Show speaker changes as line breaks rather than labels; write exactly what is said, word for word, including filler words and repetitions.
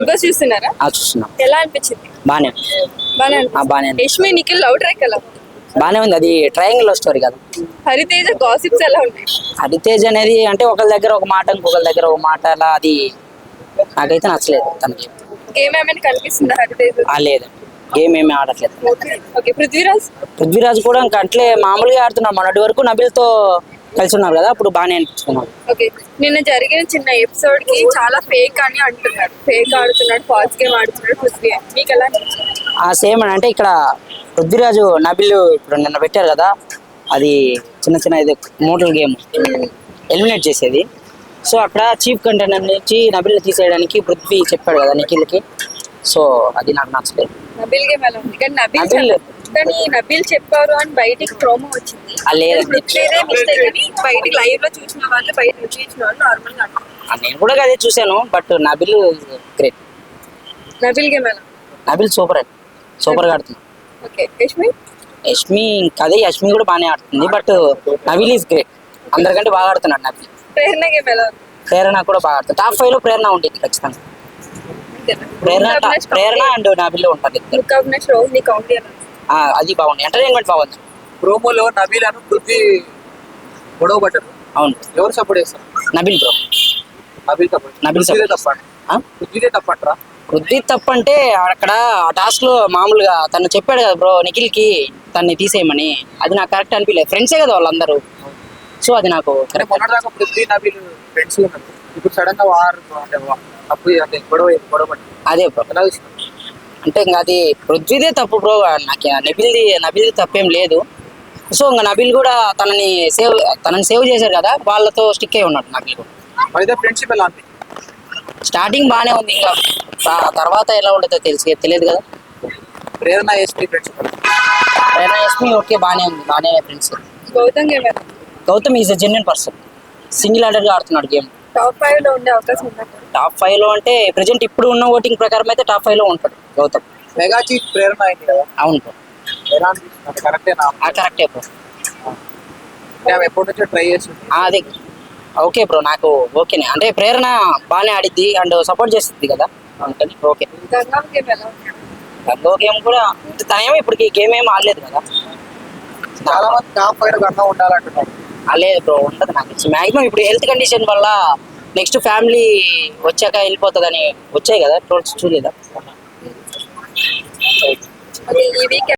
Boss చూస్తున్నారా?
ఆ చూస్తున్నాం.
ఎలా అనిపించింది?
బానే
బానే
ఆ, బానే ఉంది.
యష్మి నిఖిల్ లవ్ ట్రాక్ ఎలా ఉంది?
బానే ఉంది. అది ట్రయాంగిల్ లవ్ స్టోరీ కదా.
హరితేజ గాసిప్స్ ఎలా ఉన్నాయి?
హరితేజ్ అనేది అంటే ఒకళ్ళ దగ్గర ఒక మాట ఇంకొకళ్ళ దగ్గర ఒక మాట అలా, అది నాకైతే నచ్చలేదు తనకి.
గేమ్ ఏమైనా కనిపిస్తుందా హరితేజ?
ఆ లేదు, గేమ్ ఏమీ ఆడట్లేదు.
ఓకే, పృథ్వీరాజ్
పృథ్వీరాజ్ కూడా ఇంకా అట్లే మామూలుగా ఆడుతున్నాడు. మొన్నటి వరకు నబిల్తో కలిసి ఉన్నారు కదా, అప్పుడు బాగానే అనిపించుకున్నాడు.
ఓకే, నిన్న జరిగిన చిన్న ఎపిసోడ్ కి చాలా ఫేక్ అని అంటున్నారు. ఫేక్ ఆడుతున్నాడు, ఫాల్స్ గేమ్ ఆడుతున్నాడు పృథ్వీ. మీకు ఎలా అనిపించింది?
ఆ సేమ్ అని అంటే ఇక్కడ పృథ్వీరాజు నబిల్ ఇప్పుడు నిన్న పెట్టారు కదా, అది చిన్న చిన్న ఇది మోటల్ గేమ్ ఎలిమినేట్ చేసేది. సో అక్కడ చీఫ్ కంటెండర్ నుంచి నబిల్ తీసేయడానికి పృథ్వీ చెప్పాడు కదా నిఖిల్కి. సో అది నాకు నచ్చలేదు.
నబిల్ గేమ్ ఎలా ఉంది? కానీ నబిల్
నబిల్
కానీ నబిల్ చెప్పారు అని బయటికి ప్రోమో వచ్చింది.
ఆ లేదు.
పృథ్వీదే మిస్టేక్ అని బయటికి లైవ్ లో చూసిన వాళ్ళు, బయట చూసిన వాళ్ళు నార్మల్ గా అంటారు.
ఆ, నేను కూడా అదే చూశాను. But Nabeel great.
Nabeel game ఎలా?
నబిల్ సూపర్ అండి, సూపర్ గా ఆడుతుంది.
ఓకే, యష్మి?
యష్మి అదే యష్మి కూడా బాగానే ఆడుతుంది. బట్ నబిల్ ఈజ్ గ్రేట్, అందరికంటే బాగా ఆడుతున్నాడు నబిల్.
ప్రేరణ గేమ్ ఎలా ఉంది?
ప్రేరణ కూడా బాగా ఆడుతుంది. టాప్ ఫైవ్ లో ప్రేరణ ఉంటుంది ఖచ్చితంగా. ప్రేరణ టా- ప్రేరణ అండ్ నబిల్ ఉంటుంది.
లుక్ అవినాష్ రోజ్ నీ కౌంటీ ఎలా ఉంది?
ఆ, అది బాగుంది, ఎంటర్టైన్మెంట్ బాగుంది.
ప్రోమోలో నబీల్ అను పృథ్వీ గొడవ పడ్డారు.
అవును,
ఎవరు సపోర్ట్ చేస్తారు?
నబిల్ బ్రో.
నబీల్ తప్ప
నబీల్
పృథ్వీదే
support.
తప్ప
ఆ?
పృథ్వీదే తప్పంటారా?
వృద్ధి తప్పంటే అక్కడ ఆ టాస్క్ లో మామూలుగా తను చెప్పాడు కదా బ్రో నిఖిల్ కి తన్ని తీసేయమని, అది నాకు కరెక్ట్ అనిపించలేదు. ఫ్రెండ్సే కదా వాళ్ళందరూ. సో అది నాకు
అంటే
కరెక్ట్.
మొన్నటిదాకా పృథ్వీ నబీల్ ఫ్రెండ్స్ ఉన్నారు. ఇప్పుడు సడన్ గా వార్ అంటే వా- తప్పు అంటే గొడవ గొడవ పడ్డారు.
అదే బ్రో,
ఎలా చూస్తున్నారు?
అంటే ఇంకా అది పృథ్వీదే తప్పు బ్రో. నాకు నబిల్ది నబిల్ది తప్పేం లేదు. సో ఇంకా నబిల్ కూడా తనని సేవ్ తనని సేవ్ చేశారు కదా, వాళ్ళతో స్టిక్ అయి ఉన్నాడు నబిల్ కూడా.
అయితే ఫ్రెండ్షిప్ ఎలా ఉంది?
స్టార్టింగ్ బాగానే ఉంది, ఇంకా ఆ తర్వాత ఎలా ఉంటుందో తెలిసి తెలియదు కదా.
ప్రేరణ ఎస్పీ ఫ్రెండ్షిప్
ప్రేరణ యష్మి ఓకే బాగానే ఉంది, బాగానే ఫ్రెండ్స్.
గౌతమ్ గేమ్ ఎలా?
Gautham is a genuine person, single హ్యాండెడ్గా ఆడుతున్నాడు గేమ్.
టాప్ ఫైవ్ లో ఉండే అవకాశం ఉందా?
టాప్ ఫైవ్ లో అంటే ప్రెజెంట్ ఇప్పుడు ఉన్న ఓటింగ్ ప్రకారం అయితే టాప్ ఫైవ్ లో ఉంటాడు గౌతమ్.
మెగా చీఫ్ ప్రేరణ అయింది కదా,
అవును బ్రో,
ఎలా అనిపిస్తుంది? కరెక్టేనా?
ఆ కరెక్టే బ్రో.
అంటే ఆమె ఎప్పటి నుంచో ట్రై చేస్తుంది.
ఆ, అదే ఓకే బ్రో, నాకు ఓకేనే. అంటే ప్రేరణ బాగానే ఆడిద్ది అండ్ సపోర్ట్ చేస్తుంది కదా, అందుకని ఓకే.
గంగం గేమ్ ఎలా ఉంది?
గంగో గేమ్ కూడా తనేమో ఇప్పటికి గేమ్ ఏం ఆడలేదు కదా.
చాలా మంది టాప్ ఫైవ్ కన్నా ఉండాలంటున్నారు.
ఆడలేదు బ్రో, ఉండదు నాకు తెలిసి. మ్యాక్సిమం ఇప్పుడు హెల్త్ కండిషన్ వల్ల నెక్స్ట్ ఫ్యామిలీ వచ్చాక వెళ్ళిపోతుందని వచ్చాయి కదా ట్రోల్స్, చూడలేదా?
ఓకే, ఈ వీక్